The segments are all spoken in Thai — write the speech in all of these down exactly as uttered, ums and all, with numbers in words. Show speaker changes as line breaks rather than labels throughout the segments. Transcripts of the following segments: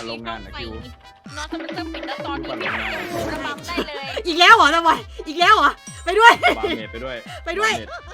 โรงงานนะคิวน
อนสมิเตอร์ปิดแล้วตอนนี้ระบำได้เลย
อีกแล้วเหรอตะบอยอีกแล้วเหรอไปด้วย
วางเน็ตไปด้วย
ไปด้วย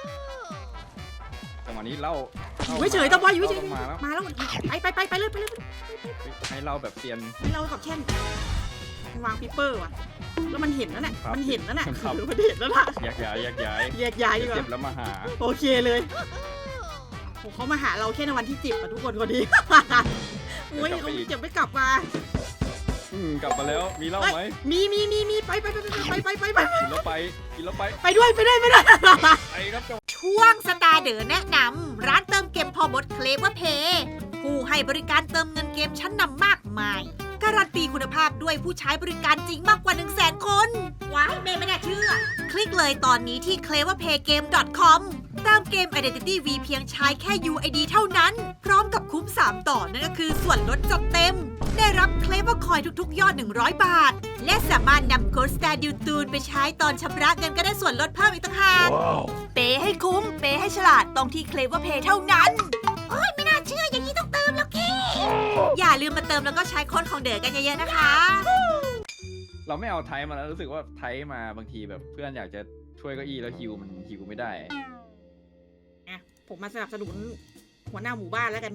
จังหวะนี้เล่า
อยู่เฉยๆตะบอยอยู่เฉย
มาแล้ว
ๆมาแล้วไปไปไปไปเลยไปเลย
ให้เล่าแบบเซียน
ให้เรากับแช่นวางปีเปอร์ว่ะแล้วมันเห็นแล้วน่ะ
ครับ
มันเห็นแล้วน่ะ
ครับ
มันเห็นแล้วล่ะ
แยกย้ายแยกย้าย
แยกย้ายดีก
เจ็บ
ว่า
แล้วมาหา
โอเคเลยโหเขามาหาเราแค่ในวันที่เจ็บอะทุกคนคนนี้โอ้ยเขาเจ็บไม่กลับมา
อืมกลับมาแล้วมีเหล่าไหม
มีมีมีมีไปไปไปไปไปไปไป
กินแล้วไปกินแล้วไป
ไปด้วยไปด้วยไปด้วย
ไปครับจัง
ช่วงสตาร์เดอร์แนะนำร้านเติมเกมพอมดเคลเวอร์เพย์ผู้ให้บริการเติมเงินเกมชั้นนำมากมายการันตีคุณภาพด้วยผู้ใช้บริการจริงมากกว่า หนึ่งแสน คนว้ายเมย์ไม่น่าเชื่อ คลิกเลยตอนนี้ที่ เคลเวอร์เพย์เกม ดอท คอม เติมเกม Identity V เพียงใช้แค่ ยู ไอ ดี เท่านั้น พร้อมกับคุ้ม สาม ต่อนั่นก็คือส่วนลดจัดเต็ม ได้รับเคลเวอร์คอยทุกๆ ยอด หนึ่งร้อย บาท และสามารถนำโค้ดสแตดิวตูนไปใช้ตอนชำระเงินก็ได้ส่วนลดเพิ่มอีกต่างหากเปย์ให้คุ้ม เปย์ให้ฉลาดตรงที่ เคลเวอร์เพย์ เท่านั้นโอ้ยไม่น่าเชื่ออย่างนี้ต้องเติมแล้วกี้อย่าลืมมาเติมแล้วก็ใช้โค้ดของเด๋อกันเยอะๆนะคะ
เราไม่เอาไทยมาแล้วรู้สึกว่าไทยมาบางทีแบบเพื่อนอยากจะช่วยเก้าอี้แล้วฮิวมันฮิวไม่ได้
ผมมาสนับสนุนหัวหน้าหมู่บ้านแล้วกัน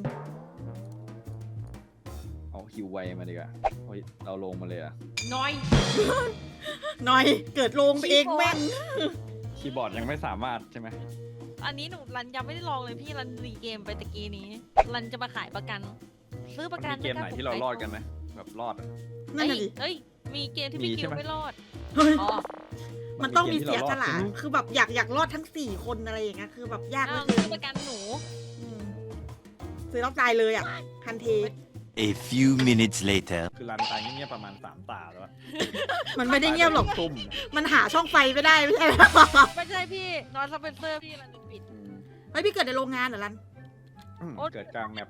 เอาฮิวไวมาดีกว่าเฮ้ยเราลงมาเลยอะ
น้อย
หน่อยเกิดลงไปเองแม่ง
คีย์บอร์ดยังไม่สามารถใช่ไหม
อันนี้หนูรันยังไม่ได้ลองเลยพี่รันรีเกมไปตะกี้นี้รันจะมาขายประกัน ซื้อประกัน
มีเกมไหนที่เรารอดกันไหมแบบรอดอะ
นั่นน่ะดิ
เอ้ยมีเกมที่พี่
มี
คิ
ใช่
ว
ไหม
ไม่รอด
เฮ้ย
อ๋อ
มันต้องมี
ก
เสีย
ที่
ส
รา
ละ
รอด
คือแบบอยากอยากรอดทั้งสี่คนอะไรอย่างเงี้ย คือแบบยากเหลื
อ้า
อ
ว
เกิ
ซื้อน ประกันหนู
อืมซื้อแล้วตายเลยอ่ะทันที
A few minutes later.
คือรันตายเงียบๆประมาณสามตาแล้วอะ
มันไม่ได้เงียบหรอก
ตุ่ม
มันหาช่องไฟไม่ได้ไม่ใช่หรอ
ไม่ใช่พี่นอนสเปนเซอร์พี่รันปิด
อืม
เฮ้ยพี่เกิดในโรงงานเหรอลัน
อืม
โอ๊ย
เกิดกลางแมป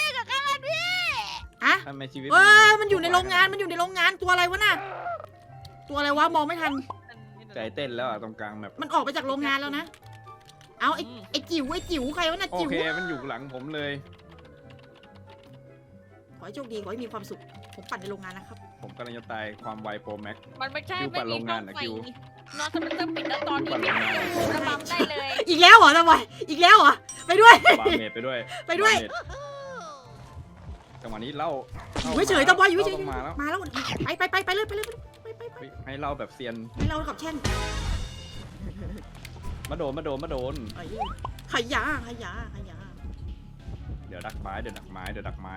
อะ
ทำไมชีวิต
เอ้ยมันอยู่ในโรงงาน มันอยู่ในโรงงาน ตัวอะไรวะน่ะ ตัวอะไรวะ มองไม่ทัน
ใจเต้นแล้วอะตรงกลางแมป
มันออกไปจากโรงงานแล้วนะ เอาไอ้ไอ้จิ๋วไอ้จิ๋วใครวะน่ะ
โอ
จิ๋ว
เคมันอยู่หลังผมเลย
ขอให้โชคดี ขอให้มีความสุข ผมปั่นในโรงงานนะครับ
ผมกำลังจะตายความไวโปรแม็ก
มันไม่ใช่
คิว
ไม่
ปั่น
มี
โรงงาน
ช่อง
นะ
ไฟ
คิว
นอนสเปนเซอร์ปิดแล้วตอน
คิว
นี้
ปั่นโรงงาน
ระบำได้เลย
อีกแล้วเหรอตะบอยอีกแล้วเหรอ ไปด้วย
วางเน็ตไปด้วย
ไปด้วย
วางเน็ตจังหวะนี้เล่า
อยู่เฉยๆตะบอยอยู่เฉย
มาแล้ว
ๆมาแล้วไปไปไปไปเลยไปเลยไปไปไป
เฮ้ยให้เล่าแบบเซียน
ให้เรากับแช่น
มาโดนมาโดนมาโดน
เอ้ยขยะขยะขยะ
เดี๋ยวดักไม้เดี๋ยวดักไม้เดี๋ยวดักไม้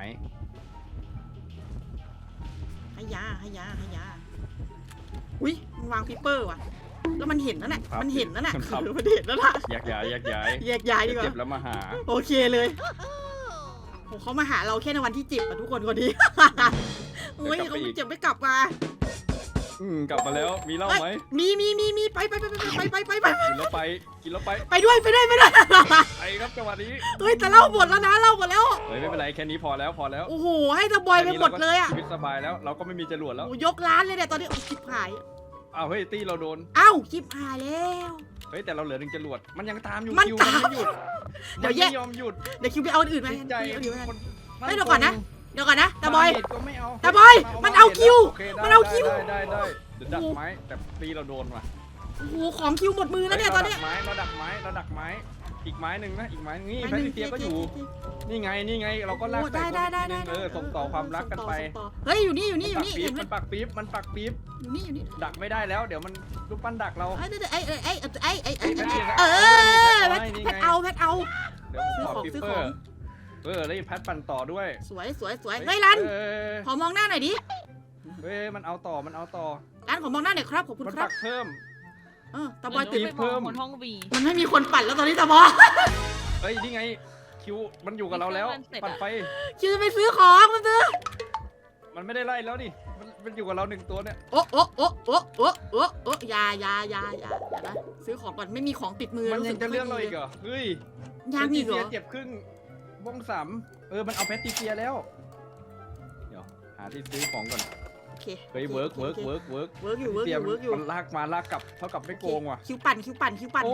ขยะขยะขยะอุ้ยมันวางปีเปอร์ว่ะ แล้วมันเห็นแล้วน่ะมันเห็นแล้วน่ะคือมันเห็นแล้วล่ะ
แยกย้ายแยกย้าย
แยกย้ายดีกว่า
เจ็บแล้วมาหา
โอเคเลยโหเขามาหาเราแค่ในวันที่เจ็บอะทุกคนคนนี้โอ้ยเขาเจ็บไม่กลับมา
อืมกลับมาแล้วมีเหล้าไหม
มีมีมีมีไปไปไปไปไปไปไป
กินแล้วไปกินแล้วไป
ไปด้วยไปด้วยไปด้วย
ไปครับจังหวะนี้
เฮ้ยแต่เล่าหมดแล้วนะเล่าหมดแล้ว
เฮ้ยไม่เป็นไรแค่นี้พอแล้วพอแล้ว
โอ้โหให้ตะบอยไปหมดเลยอะ
ชีวิตสบายแล้วเราก็ไม่มีจรวดแล้ว
โอ้ยกร้านเลยเนี่ยตอนนี้โอ้ชิบหาย
อ้าวเฮ้ยตีเราโดน
เอ้าชิบหายแล้ว
เฮ้ยแต่เราเหลือหนึ่งจรวดมันยังตามอยู่
มัน
คิว
ตาม
ไม่หยุด
เดี๋ยวแยก
มันไม่ยอมหยุด
เดี๋ยวคิวไปเอาอันอื่นไหม
จริงใจ
เอาอันอื่นไหม
คน
เฮ้ยเดี๋ยวก่อนนะ เดี๋ยวก่อนนะตาบอย
มาเน็ตก็ไม่เอา
ตาบอยมันเอาคิว
โเคได้
มันเอาคิว
ได้ได้ได้เดี๋ยวดักไม้แต่ตีเราโดนว่ะ
โอ้โหของคิวหมดมือแล้วเนี่ยตอนเนี้ย
ฮ้เราดักไม้เราดักไม้เราดักไม้อีกไม้หนึ่งนะอีกไม้นี่แพทริเซียก็อยู่นี่ไงนี่ไงเราก็ลาก
โอ้
ใส่
ได้
คน
ได้
อีกทีนึง
ได้
เออส่งต่อความรักกันไป
ส่งต่อเฮ้ยอยู่นี่อยู่นี่อยู่นี่
ปี๊
เห็
บ
นไหม
มันปักปี๊บมันปักปี๊บ
อยู่นี่อยู่นี่
ดักไม่ได้แล้วเดี๋ยวมันลูกปั้นดักเรา
เอ้ยเอ้ยเอ้ยเอ้ยเอ้ยเอ้ยเอ้ย
แพทริเซีย
เออ
แพ
แพ
ท
ท
นี่
แพ
ไง
ทเอาแพทเอา
เดี๋ยวผมขอ
ซื้
ปิ
อ
ป
ของ
เปอร์เออแล้วอีแพทปั่นต่อด้วย
สวยสวยสวยเฮ้ยรัน
เออ
ขอมองหน้าหน่อยดิ
เฮ้ยมันเอาต่อมันเอาต่อ
รันขอมองหน้าหน่อยครับขอบคุณ
มัน
ครั
ปั
บ
กเพิ่ม
เออตาบอยตื่น
ไป
เพิ่
มอง
ม
บนห้องบี
มันไม่มีคนปั่นแล้วตอนนี้ตาบอย
เฮ้ยนี่ไงคิวมันอยู่กับเราแล้วปั่นไฟ
คิวจะไปซื้อของมันซื้อ
มันไม่ได้ไล่แล้วดิมันมันอยู่กับเราหนึ่งตัวเนี่ย
โอ้โอ้โอ้โอ้โอ้โอ้โอ้ยายายายาอย่านะซื้อของก่อนไม่มีของติดมือ
มันยังจะ
สึ
เรื่องเราอีกเหรอเฮ้ย
ยังอีกเหร
แพ
อ
ทริเซียเจ็บครึ่งวงสามเออมันเอาแพทริเซียแล้วเดี๋ยวหาที่ซื้อของก่อน
โอเค
เฮ้ยเวิร์กเวิร์กเวิร์กเวิร์ก
เวิร์กอยู่เวิร์กอยู่เวิร์กอยู่
มันลากมาลากกลับเท่ากับไม่โกงว่ะ
คิวปั่นคิวปั่นคิวปั่น
โอ้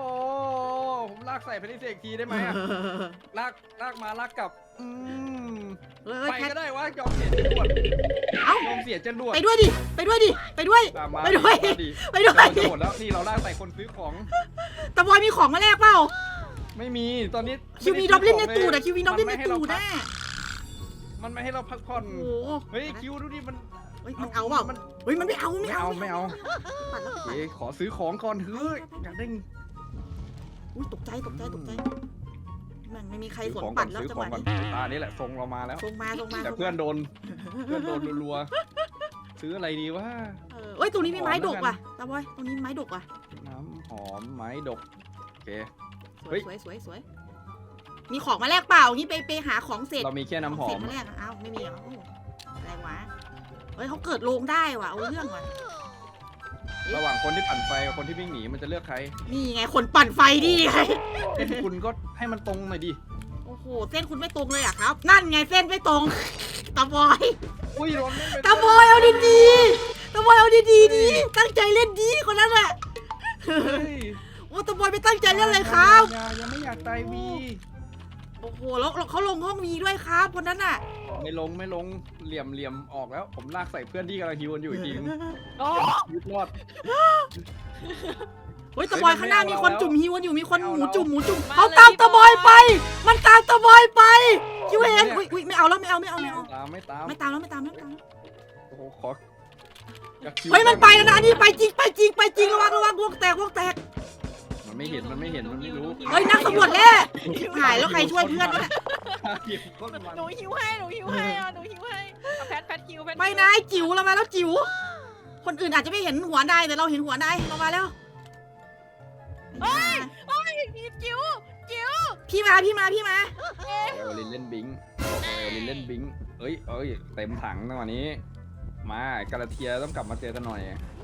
ผมลากใส่แพทริเซียอีกทีได้ไหมอะลากลากมาลากกลับอืม
เฮ้ย
ไป
แคท
ก็ได้วะยอมเสียจรวด
เอ้าย
อมเสียจรวด
ไปด้วยดิไปด้วยดิไปด้วย
ตามมา
ไปด้วย
มาดิ
ไปด้วย
เราจะหมดแล้วนี่เราล่ากใส่คนซื้อของ
ตะบอยมีของมาแลกเปล่า
ไม่มีตอนนี้
คิวมีดอบลินในตูดอะคิวมีดอบลินในตูด
นะ
นะ
มันไม่ให้เราพักผ่อน
โอ้โห
เฮ้ยคิวดูดิมัน
เฮ้ยมันเอาเปล่า
มัน
เฮ้ยมันไม่เอาไม่
ไม่
เอา
เอาไม่เอา
ปัดแล้วปัด
เอ๊ะขอซื้อของก่อนเฮ้ยอยากได้
อุ้ยตกใจตกใจตกใจแมันไม่มีใคร
ซื้อ
สน
ของก่
ปั
อน
ดแล้ว
ซื้อ
จัง
ข
ห
อง
วะ
ก่อน
นี้
ตานี้แหละทรงเรามาแล้ว
ลงมาลงมา
แต่
ลงมา
เพื่อนโดนเพื่อนโดนรัวๆซื้ออะไรดีวะ
เออเอ้ยตรงนี้มีไม้ดก
ขอแล้วกัน
ว่ะตาบอยตรงนี้มีไม้ดกว่ะ
น้ำหอมไม้ดกโอเค
ส
เฮ้
วย
ย
สวยสวยสวยมีของมาแลกเปล่างี้ไปไปหาของเสร็จ
เรามีแค่น้ำหอ
เสร็
ม
จมาแลกอะเอ้าไม่มีเหรอโอ้อะไรวะเฮ้ยเขาเกิดโรงได้ว่ะเอาเรื่องว่ะ
ระหว่างคนที่ปั่นไฟกับคนที่วิ่งหนีมันจะเลือกใคร
นี่ไงคนปั่นไฟดีไง
เส้นคุณก็ให้มันตรงหน่อยดิ
โอ้โหเส้นคุณไม่ตรงเลยอะครับ นั่นไงเส้นไม่ตรงตาบอย
อุ้ยโดนเล่นไป
ตาบอยเอาดีๆตาบอยเอาดีๆดีตั้งใจเล่นดีคนนั้นแหละ
เฮ้ย
โอ้ตาบอยไม่ตั้งใจเล่นเลยครับ
ยังยังไม่อยากตายวี
โอ้โหแล้วเขาลงห้องมีด้วยครับคนนั้นน่ะ
ไม่ลงไม่ลงเหลี่ยมเหลี่ยมออกแล้ว ผมลากใส่เพื่อนที่กำลังฮิวกันอยู่อีกทีนึง
โอ้
ยึดรอด
เฮ้ยตาบอยข้างหน้ามีคน
ไม่เอา
จุ่มฮิวกันอยู่มีคน
ไม่
ห
เอา
มู
แล้ว
จุ่มหมูจุ่มเขาตามตาบอยไป มันตามตาบอยไปคิวเห็นอุ้ยอุ้ยไม่เอาแล้วไม่เอาไม่เอาไม่เอา
ตามไม่ตาม
ไม่ตามแล้วไม่ตามแล้วไม่ตามแล้ว
โอ้โหขออยากคิว
เฮ้ยมันไปแล้วนะอันนี่ไปจริงไปจริงไปจริงระวังระวังวงแตกวงแตก
มันไม่เห็นมันไม่เห็นมันไม่รู้
เฮ้ยนักสำรวจแล้วหายแล้วใครช่วยเพื่อนวะเนี่ย
เก็บก้นมัน
หนูหิวให้หนูหิวให้อ่ะหนูหิวให้เอาแพทแพทคิวแพทคิว
ไม่นายจิ๋วเรามาแล้วจิ๋วคนอื่นอาจจะไม่เห็นหัวนายแต่เราเห็นหัวนายเรามาแล้ว
เฮ้ยเฮ้ยจิ๋วจิ๋ว
พี่มาพี่มาพี่มา
เอลลินเล่นบิงเอลลินเล่นบิงเอ้ยเอ้ยเต็มถังจังหวะนี้ มากาลาเทียต้องกลับมาเจอกันหน่อย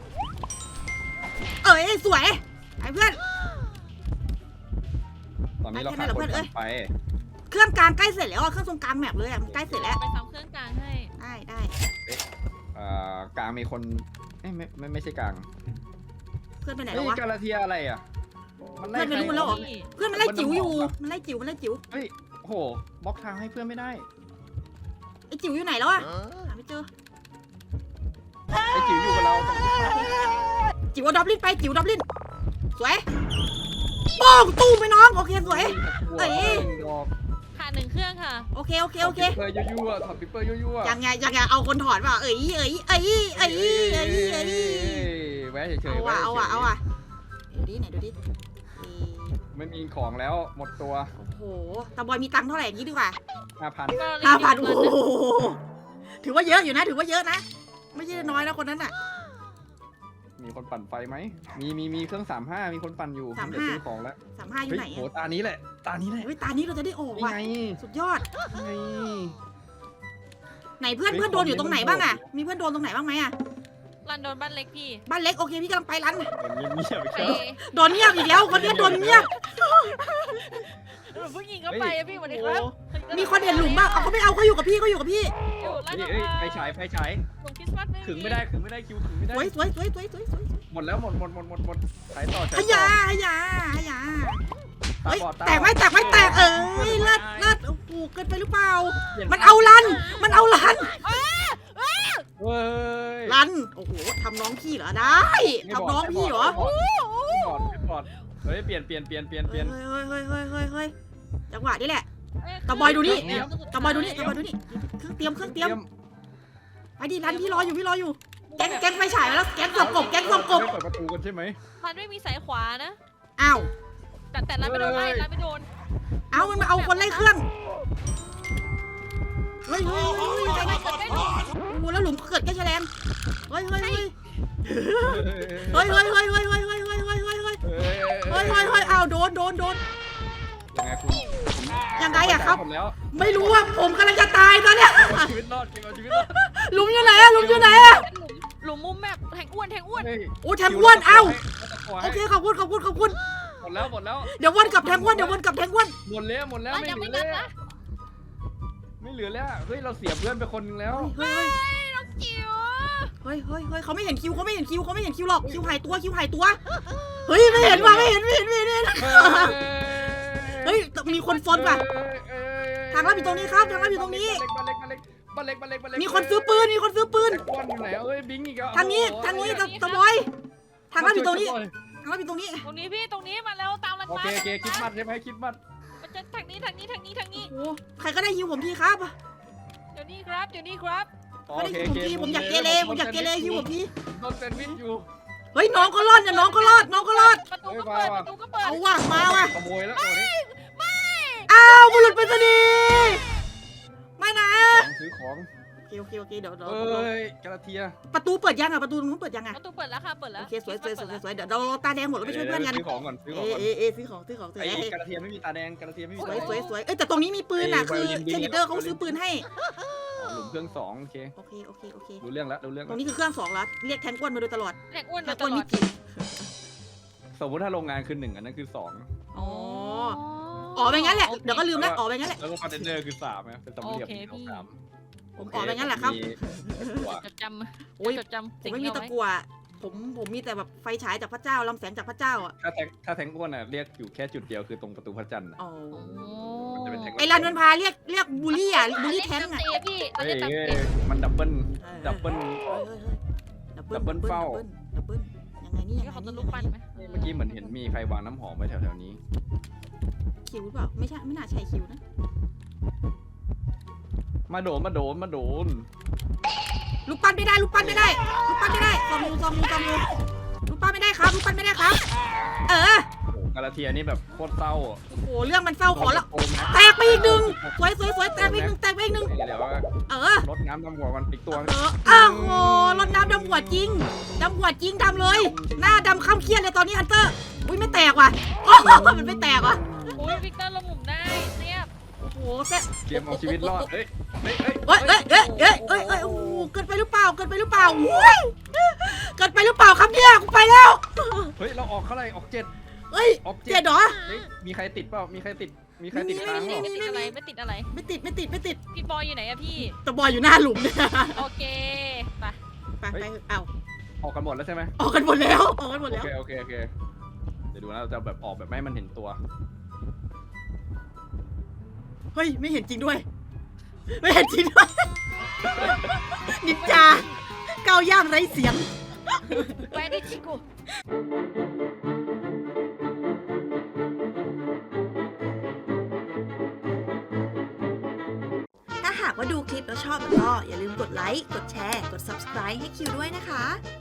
เอ้ยสวยไอ้เพื่อน
ตอนนี้เรา
ไป
ขาด
แค่
ค
นั้น
น
เหรอเพื่อนเอ้ย
ไป
เครื่องกลางใกล้เสร็จแล้วอะเครื่องตรงกลางแมปเลยอะมันใกล้เสร็จแล้ว
ไปซ้ำเครื่องกลางให้
ได้ได้
เอ่อกลางมีคนเอ้ยไม่ไม่ไม่ใช่กลาง
เพื่อนไปไหน
เฮ้
แล้ว
ยว
ะ
กาลาเทียอะไรอ่ะมันไล่
เพื่อนไม่รู้มันแล้วเหรอ
นี่
เพื่อนมันไล่จิ๋วอยู่มันไล่จิ๋วมันไล่จิ๋ว
เฮ้ยโอ้โหบล็อกทางให้เพื่อนไม่ได้
ไอ้จิ๋วอยู่ไหนแล้วอะหาไม่เจอ
ไอ้จิ๋วอยู่กับเราตรงนี้
จิ๋วเอาดอบลินไปจิ๋วดอบลินสวยโป้งตู้ไปน้องโอเคสวย เอ้ย
ดอก
ขาดหนึ่งเครื่องค่ะ
โอเคโอเคโอเค
ถอดปิปเปอร์ยั่วๆถอดปิปเปอร์ยั่วๆ
ยังไงยังไงเอาคนถอดเปล่าเอ้ยเอ้ยเอ้ยเอ้ยเอ้ยเอ้ย
แวะเฉย
เอา
ๆ
ว่ะ
แวะ
เอา
เฉ
ว่ะ
ย
เอาว่ะดูดิไหนดูดิเอ้ย
ๆไม่มีของแล้วหมดตัว
โอ้โหตาบอยมีตังค์เท่าไหร่อย่างนี้ดีกว่า
ห้าพัน
ห้าพันโอ้โหถือว่าเยอะอยู่นะถือว่าเยอะนะ ไม่ใช่น้อยนะคนนั้นอ่ะ
มีคนปั่นไฟไหมมีมีมีเครื่องสามห้ามีคนปั่นอยู่
สามห้า
เดี๋ยวซื้อของแล้ว
สามห้าอยู่
เฮ้ย
ไหน
โห
อะ
ตานี้แหละ ตานี้แหละ
เฮ้ยตานี้เราจะได้ออก
นี่
ว่ะ
ไง
สุดยอด
นี่ไง
ไหนเพื่อน
เฮ้ย
เพื่อนโดนอยู่ตรงไหน
ของ
บ้างอะ
มันโหด
มีเพื่อนโดนตรงไหนบ้างไหมอะ
รันโดนบ้านเล็กพี่
บ้านเล็กโอเคพี่กำลังไปรัน
เงียบเงียบ
ไป
ๆ
โดนเงียบอีกแล้วคนนี้โดนเงียบ
หนูเพิ่งยิงเข้าไปอะพี่สวัสดีครับ
มีคนเห็นหลุมบ้างเอาเขาไม่เอาเขาอยู่กับพี่เขาอยู่กับพี่
อยู่ร้าน
เฮ้ย
กา
เฮ้ย
แฟ
ไฟฉายไฟฉาย
หลุมคริสต์มาส
ขึงไม่ได้ขึงไม่ได้คิวขึงไม่ได้
สวยสวยสวยสวยสวยสวย
หมดแล้วหมดหมดหมดหมดหมดฉายต่อฉาย
ฮ
ต่
ยา
อ
ฮยาฮยา
ตา
เฮ้ย
บอดา
แตกไหมแตกไหมแตกเอ้ยเลิศเลิศโอ้โหเกินไปหรือเปล่า
ปลี่ย
มันเอารัน มันเอารัน
เฮ้ย
รัน โอ้โหทำน้องพี่เหรอ ได้ทำน้องพี่เหรอ
ไม่บอดไม่บอดเฮ้ยเปลี่ยนเปลี่ยนเปลี่ยนเปลี่ยนเปลี่ยน
เฮ้ยเฮ้ยเฮ้ยเฮ้ยเฮ้ยเฮ้ยจังหวะนี้แหละ
เอ้ย
ตะบอยดูนี่
เครื่องสุ
ตะบอยดูนี่ตะบอยดูนี่ เครื่องเตรียมเครื่องเตรียม ไปดิรันพี่รออยู่พี่รออยู่ แก๊งแก๊งไฟฉายมาแล้ว แก๊งสอบกบแก๊งสอบกบ
ไม่เปิดประตูกันใช่ไหม
รันไม่มีสายขวานะ
อ้าว
แต่แต่รันไม่โดนไล่
เฮ้ย
รันไม่โดน
เอามันมาเอาคนไล่เครื่อง เฮ้ยเฮ้ยเฮ้ยใจเย็น
ไม่โดน
โอ้โหแล้วหลุมเกิดแค่แฉลงเฮ้ยเฮ้ยเฮ้ยเฮ้ยเฮ้ยเฮ้ยเฮ้ยเฮ้ยเฮ้ยเฮ้ยเฮ้ยเฮ้ยเฮ้ย
เฮ้ย
เฮ้ยเฮ้ยเฮ้ยอ้าวโดนโดนโดน
ยังไงคุณ
ยังไงอะครับ
หมดแล้ว
ไม่รู้ว่าผมกำลังจะตายตอนเนี้ย
เอาชีวิตรอดเก็บเอาชีวิตรอด
หลุมอยู่ไหนอะหลุมอยู่ไหนอะ
เป็นหลุมหลุมมุมแบบแทงอ้วนแทงอ้วน
เฮ้ย
โอ้แทงอ้วนเอ้า
ขอ
โอ
ให้
เคขอบคุณขอบคุณขอบคุณ
หมดแล้วหมดแล้ว
เดี๋ยววนกลับแทงอ้วนเดี๋ยววนกลับแทงอ้วน
หมดแล้วหมดแล้ว
รัน
ไม่
ยัง
เหลื
ไม่
อ
นั
แล้
บ
ว
นะ
ไม่เหลือแล้วเฮ้ยเราเสียเพื่อนไปคนนึงแล้ว
เฮ้ย
เฮ้ยน้องจิ๋ว
เฮ้ยเฮ้ยเฮ้ยเขาไม่เห็นคิวเขาไม่เห็นคิวเขาไม่เห็นคิวหรอกคิวหายตัวคิวหายตัวเฮ้ยไม่เห็นว่ะไม่เห็นไม่เห็นไม่เห็นไม่เห็นเฮ้ยมีคนฟอนว่ะ
เอ้ยเอ้ย
ททางลับอยู่ตรงนี้ครับทางลับอยู่ตรงนี้
บ้านเล็กบ้านเล็กบ้านเล็กบ้านเล็กบ้านเล็ก
มีคนซื้อปืนมีคนซื้อปืน
แจ็ควันอยู่ไหนเอ้ยบิงอีกแล้ว
ทางนี้ทางนี้ตะตะบอยทางลับอยู่ตรงนี้ทางลับอยู่ตรงนี้
ตรงนี้พี่ตรงนี้มาแล้วตามรัน
โอ
มา
เคโอเคคิดมัดใช่ไหมคิดมัด
มันจะทางนี้ทางนี้ทางนี้ทางนี้
โอ้ใครก็ได้ยิวผมทีครับ
เดี๋ยวนี้ครับเดี๋ยวนี้ครับ
โอ
ก็ได้
เค
ยิวผมทีผมอยากเกเรผมอยากเกเรยิวผมที
โดนแซนด์วิชอยู่
เฮ้ยน้องก็รอดเนี่ยน้องก็รอดน้องก็รอด
ประตูก็เปิดประตูก็เปิด
เอาว่ะมาว่ะ
ขโมยแล้วตัวนี้
อ้าวบุรุษไปรษณีย์ไม่นะ
ของซื้อของ
โอเคโอเคโอเคเดี๋ยวเดี๋ยว
เอ้ยกระเทีย
ประตูเปิดยังอ่ะประตูตรงนู้นเปิดยังอ่ะ
ประตูเปิดแล้วค่ะเปิดแล้ว
โอเคสวยสวยสวยสวยเดี๋ยวเราตาแดงหมดแล้วไปช่วยเพื่อนกัน
ซื้อของก่อนซื้อข
เอ
องก่อน
เอเอซื้อของซื้อของซื้อ
ไอ้
ของ
กระเทียมไม่มีตาแดงกระเทียมไม่มี
ส
ตา
วย
แดง
สวยสวยเอ้ยแต่ตรงนี้มีปืนอ่ะ
ไอ้
คือ
ไวโอลินบิ
เช
น
นิเดอร์เขาซื้อปืนให้
หลุมเครื่องสองโอเค
โอเคโอเคโอเค
รู้เรื่องแล้วรู้เรื่อง
ตร
แล้ว
งนี้คือเครื่องสองแล้วเรียกแทนก้วนมาโดยตลอด
แหลกอ้วน
แท
มาน ต
ก้วน
ลอ
มี
ด
จริง
สมมติถ้าโรงงานคือหนึ่งอันนั้นคือสอง
อ๋ออ๋อไปงั้นแหละเดี๋ยวก็ลืมแล้วอ๋อไปงั้นแหละ
แล้วก็คอนเทนเนอร์คือสามนะเป็นสามเหลี่ยมเอาสาม
ผมอ๋อไปงั้นแหละครับ
มีหัว
จดจำ
โอ้ย
จดจำ
ผม
สิ่ง
ไม่
ที่
มี
เอา
ตะ
ไว้
กั่วผมผมมีแต่แบบไฟฉายจากพระเจ้าลำแสงจากพระเจ้าอ่ะ
ถ้าแทงถ้าแทงอ้วนอ่ะเรียกอยู่แค่จุดเดียวคือตรงประตูพระจันทร์อะ
อ๋อ
โอ้
มันจะเป็นแทง
ไอ้รันมันพาเรียกเรียกบูลลี่อ่ะบูลลี่แทง
อ่ะ
อ่ะ
เตะพี่เรา
เฮ้ย
จะตัด
เฮ้ย
เตะ
มันดับเบิล
เออ
ดับเบิ้ล
เฮ้ยเฮ้ยเฮ้ยดับเบิ้ล
ดับเบิ้ลเฝ้า
ดับเบิ้ลยังไงนี่ยัง
นี่
ไง
เขา
นี่
จะ
ยัง
ลุก
ไง
ปั้น
นี่
ไหม
เมื่อกี้เหมือนเห็นมีใครวางน้ำหอมไว้แถวๆนี้
คิวหรือเปล่าไม่ใช่ไม่น่าใช่คิวนะ
มาโดนมาโดนมาโดน
ลูกปั้นไม่ได้ลูกปั้นไม่ได้ลูกปั้นไม่ได้ซองมูซองมูซองมูลูกปั้นไม่ได้ครับลูกปั้นไม่ได้ครับ เออ
โอ้โหกาลาเทียนี่แบบโคตรเศร้าอ่ะ
โอ้โหเรื่องมันเศร้าขอละ
โนนะ
แตกไปอีกหนึ่งสวยสวยสวยแตกไปอีกหนึ่งแตกไปอีกหนึ่ง
เดี๋ยวว่า
เออ
รดน้ำดำหัวกันอีกตัว
เอออ้าวโหรดน้ำดำหัวจริงดำหัวจริงดำเลย หน้าดำข้ามเครียดเลยตอนนี้ฮันเตอร์อุ้ยไม่แตกว่ะโอ้โหมันไม่แตกว่ะ
โอ้ยวิกเตอร์ลงหลุมได้เรียบ
โอ้โหเซ็ต
เตรียมเอาชีวิตรอดเฮ้ยเฮ้ยเฮ้ย
เอ้ยเอ้ยเอ้ยเอ้ยเอ้ยเอ้ยโอ้โหเกินไปหรือเปล่าเกินไปหรือเปล่าอุ้ยเกินไปหรือเปล่าครับเนี่ยกูไปแล้ว
เฮ้ยเราออกเท่าไหร่ออกเจ็ด
เอ้ย
ออก
เจ็ดเหรอ
เฮ้ยมีใครติดเปล่ามีใครติดมีใครติดค้างเปล่า
ไม่ติดอะไรไม่ติดอะไร
ไม่ติดไม่ติดไม่ติด
พี่บอยอยู่ไหนอะพี่
ตะบอยอยู่หน้าหลุมเนี่ย
โอเคไป
ไปไปเอา
ออกกันหมดแล้วใช่ไหม
ออกกันหมดแล้วออกกันหมด
โอ
แล้ว
เคโอเคโอเคเดี๋ยวดูนะเราจะแบบออกแบบไม่ให้มันเห็นตัว
เฮ้ยไม่เห็นจริงด้วย ไม่เห็นจริงด้วย นินจาก้าวย่างไร้เสียง
แวดิชิกุ
ถ้าหากว่าดูคลิปแล้วชอบก็อย่าลืมกดไลค์ กดแชร์ กด ซับสไครบ์ ให้คิวด้วยนะคะ